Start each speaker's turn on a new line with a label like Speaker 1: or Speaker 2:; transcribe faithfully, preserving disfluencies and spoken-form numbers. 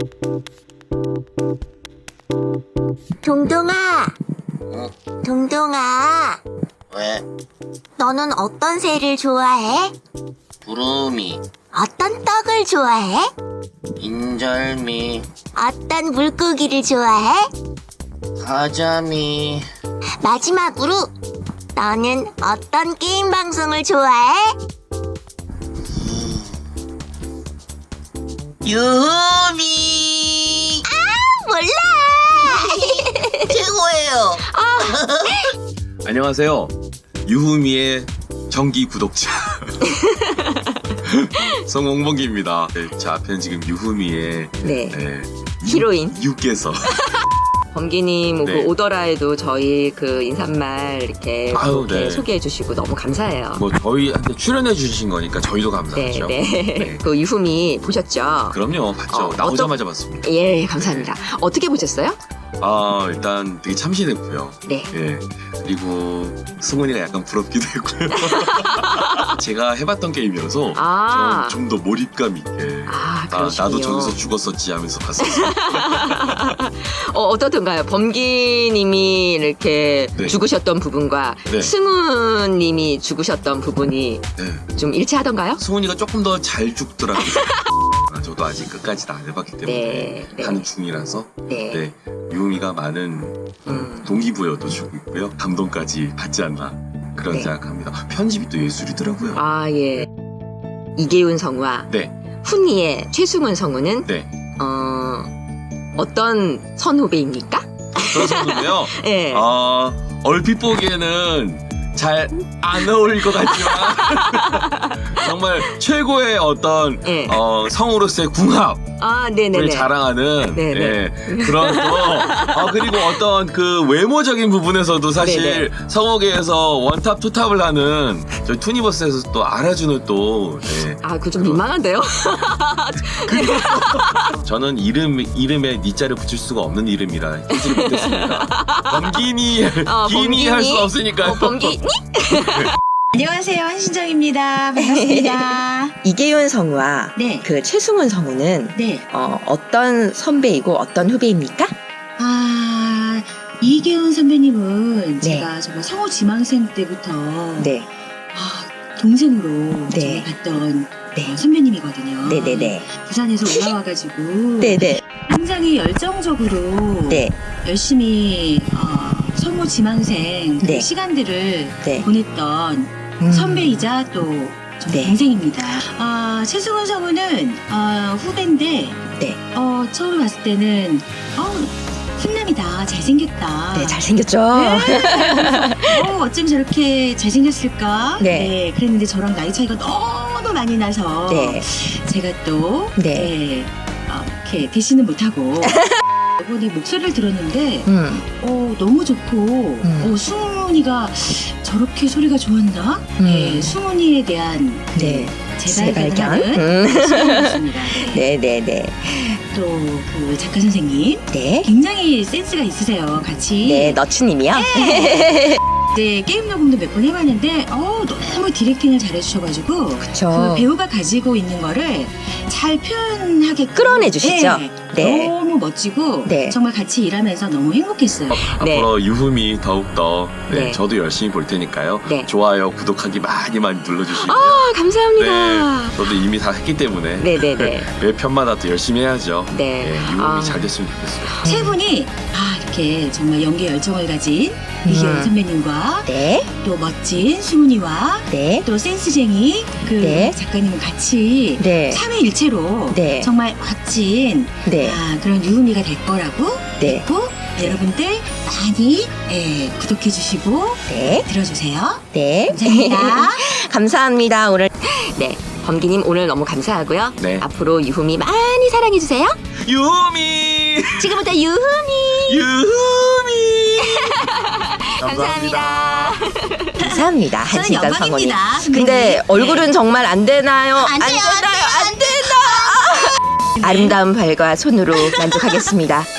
Speaker 1: 동동아,
Speaker 2: 응?
Speaker 1: 동동아,
Speaker 2: 왜?
Speaker 1: 너는 어떤 새를 좋아해?
Speaker 2: 구름이,
Speaker 1: 어떤 떡을 좋아해?
Speaker 2: 인절미,
Speaker 1: 어떤 물고기를 좋아해?
Speaker 2: 가자미.
Speaker 1: 마지막으로, 너는 어떤 게임 방송을 좋아해?
Speaker 2: 유미
Speaker 1: 몰라!
Speaker 2: 최고예요.
Speaker 3: 안녕하세요. 유후미의 정기 구독자 송홍범기입니다. 네, 제 앞에는 지금 유후미의
Speaker 4: 네,
Speaker 3: 네,
Speaker 4: 히로인
Speaker 3: 유께서
Speaker 4: 범기님
Speaker 3: 네.
Speaker 4: 그 오더라에도 저희 그 인사말 이렇게,
Speaker 3: 아유,
Speaker 4: 이렇게
Speaker 3: 네.
Speaker 4: 소개해 주시고 너무 감사해요.
Speaker 3: 뭐 저희한테 출연해 주신 거니까 저희도
Speaker 4: 네,
Speaker 3: 감사하죠.
Speaker 4: 네.
Speaker 3: 네.
Speaker 4: 그 유후미 보셨죠?
Speaker 3: 그럼요, 봤죠.
Speaker 4: 어,
Speaker 3: 나오자마자 봤습니다.
Speaker 4: 예, 감사합니다. 어떻게 보셨어요?
Speaker 3: 아, 일단 되게 참신했고요.
Speaker 4: 네.
Speaker 3: 예. 그리고 승훈이가 약간 부럽기도 했고요. 제가 해봤던 게임이어서
Speaker 4: 아.
Speaker 3: 좀 더 몰입감 있게.
Speaker 4: 아,
Speaker 3: 아,
Speaker 4: 그러시군요.
Speaker 3: 나도 저기서 죽었었지 하면서 봤었어요.
Speaker 4: 어, 어떻던가요? 범기님이 이렇게
Speaker 3: 네.
Speaker 4: 죽으셨던 부분과
Speaker 3: 네.
Speaker 4: 승우님이 죽으셨던 부분이
Speaker 3: 네.
Speaker 4: 좀 일치하던가요?
Speaker 3: 승훈이가 조금 더 잘 죽더라고요. 아, 저도 아직 끝까지 다 안 해봤기 때문에
Speaker 4: 네, 네.
Speaker 3: 하는 중이라서
Speaker 4: 네.
Speaker 3: 네, 유미가 많은
Speaker 4: 음.
Speaker 3: 동기부여도 주고 있고요. 감동까지 받지 않나 그런
Speaker 4: 네.
Speaker 3: 생각합니다. 편집이 또 예술이더라고요.
Speaker 4: 아, 예. 이계훈 성우와
Speaker 3: 네,
Speaker 4: 훈이의 최승훈 성우는
Speaker 3: 네.
Speaker 4: 어, 어떤 선후배입니까?
Speaker 3: 그렇군요.
Speaker 4: 예.
Speaker 3: 아, 얼핏 보기에는 잘 안 어울릴 것 같지만 정말 최고의 어떤
Speaker 4: 예.
Speaker 3: 어, 성우로서의 궁합
Speaker 4: 아,
Speaker 3: 을
Speaker 4: 네네네.
Speaker 3: 자랑하는
Speaker 4: 네네.
Speaker 3: 예, 그런 또 아, 그리고 어떤 그 외모적인 부분에서도 사실 성우계에서 원탑 투탑을 하는 저희 투니버스에서 또 알아주는 또 예.
Speaker 4: 아, 그거 좀 민망한데요?
Speaker 3: 저는 이름 이름에 니자를 붙일 수가 없는 이름이라 하지 못했습니다. 범기니
Speaker 4: 어,
Speaker 3: 기니 할 수
Speaker 4: 범기니?
Speaker 3: 없으니까
Speaker 4: 어, 범기
Speaker 5: 안녕하세요, 한신정입니다. 반갑습니다.
Speaker 4: 이계훈 성우와
Speaker 5: 네,
Speaker 4: 그 최승훈 성우는
Speaker 5: 네.
Speaker 4: 어, 어떤 선배이고 어떤 후배입니까?
Speaker 5: 아, 이계훈 선배님은
Speaker 4: 네.
Speaker 5: 제가 정말 성우 지망생 때부터
Speaker 4: 네.
Speaker 5: 아, 동생으로
Speaker 4: 네.
Speaker 5: 정말 봤던
Speaker 4: 네.
Speaker 5: 어, 선배님이거든요.
Speaker 4: 네네네.
Speaker 5: 부산에서 올라와가지고
Speaker 4: 네네.
Speaker 5: 굉장히 열정적으로
Speaker 4: 네.
Speaker 5: 열심히 어, 성우 지망생 그
Speaker 4: 네.
Speaker 5: 시간들을
Speaker 4: 네.
Speaker 5: 보냈던
Speaker 4: 음.
Speaker 5: 선배이자 또 저
Speaker 4: 네.
Speaker 5: 동생입니다. 아, 최승훈 성우는 어, 후배인데
Speaker 4: 네.
Speaker 5: 어, 처음 봤을 때는 어, 훈남이다, 잘생겼다.
Speaker 4: 네, 잘생겼죠?
Speaker 5: 네. 어, 어쩜 저렇게 잘생겼을까?
Speaker 4: 네.
Speaker 5: 그랬는데 저랑 나이 차이가 너무 많이 나서
Speaker 4: 네.
Speaker 5: 제가 또
Speaker 4: 네.
Speaker 5: 네, 어, 이렇게 대신은 못하고 이번에 목소리를 들었는데
Speaker 4: 음.
Speaker 5: 어, 너무 좋고 어, 승훈이가 저렇게 소리가 좋았나?
Speaker 4: 음.
Speaker 5: 네, 승훈이에 대한 그
Speaker 4: 네.
Speaker 5: 재발견을
Speaker 4: 재발견?
Speaker 5: 하는
Speaker 4: 음.
Speaker 5: 시간이었습니다. 네.
Speaker 4: 네네네.
Speaker 5: 또 그 작가 선생님
Speaker 4: 네.
Speaker 5: 굉장히 센스가 있으세요. 같이
Speaker 4: 네, 너츠님이요?
Speaker 5: 네, 게임 녹음도 몇 번 해봤는데 어, 너무 디렉팅을 잘해주셔가지고
Speaker 4: 그쵸.
Speaker 5: 그 배우가 가지고 있는 거를 잘 표현하게
Speaker 4: 끌어내주시죠?
Speaker 5: 네,
Speaker 4: 네.
Speaker 5: 너무 멋지고
Speaker 4: 네.
Speaker 5: 정말 같이 일하면서 너무 행복했어요.
Speaker 4: 네.
Speaker 3: 앞으로 유흠이 더욱더 네,
Speaker 4: 네.
Speaker 3: 저도 열심히 볼 테니까요.
Speaker 4: 네.
Speaker 3: 좋아요, 구독하기 많이 많이 눌러주시고요.
Speaker 4: 아, 감사합니다.
Speaker 3: 네, 저도 이미 다 했기 때문에
Speaker 4: 네네네.
Speaker 3: 매 편마다 또 열심히 해야죠.
Speaker 4: 네.
Speaker 3: 네, 유흠이
Speaker 4: 아.
Speaker 3: 잘 됐으면 좋겠어요.
Speaker 5: 세 분이 아 이렇게 정말 연기 열정을 가진 이계훈
Speaker 4: 음.
Speaker 5: 선배님과
Speaker 4: 네.
Speaker 5: 또 멋진 수문이와
Speaker 4: 네.
Speaker 5: 또 센스쟁이 그
Speaker 4: 네.
Speaker 5: 작가님은 같이
Speaker 4: 네.
Speaker 5: 삼위일체로
Speaker 4: 네.
Speaker 5: 정말 멋진
Speaker 4: 네.
Speaker 5: 아, 그런 유음이가 될 거라고
Speaker 4: 네.
Speaker 5: 믿고 여러분들 많이 예, 구독해 주시고
Speaker 4: 네.
Speaker 5: 들어주세요.
Speaker 4: 네.
Speaker 5: 감사합니다.
Speaker 4: 감사합니다. 오늘 네. 범기님 오늘 너무 감사하고요.
Speaker 3: 네.
Speaker 4: 앞으로 유후미 많이 사랑해주세요.
Speaker 3: 유흠이!
Speaker 4: 지금부터 유후미.
Speaker 3: 유흠이!
Speaker 4: 감사합니다. 감사합니다.
Speaker 5: 저는
Speaker 4: 한신당 성원이.
Speaker 5: 영광입니다. 선배님.
Speaker 4: 근데 얼굴은 정말 안 되나요?
Speaker 5: 안 돼요, 안
Speaker 4: 되나요?
Speaker 5: 돼요,
Speaker 4: 안 된다. 아름다운 발과 손으로 만족하겠습니다.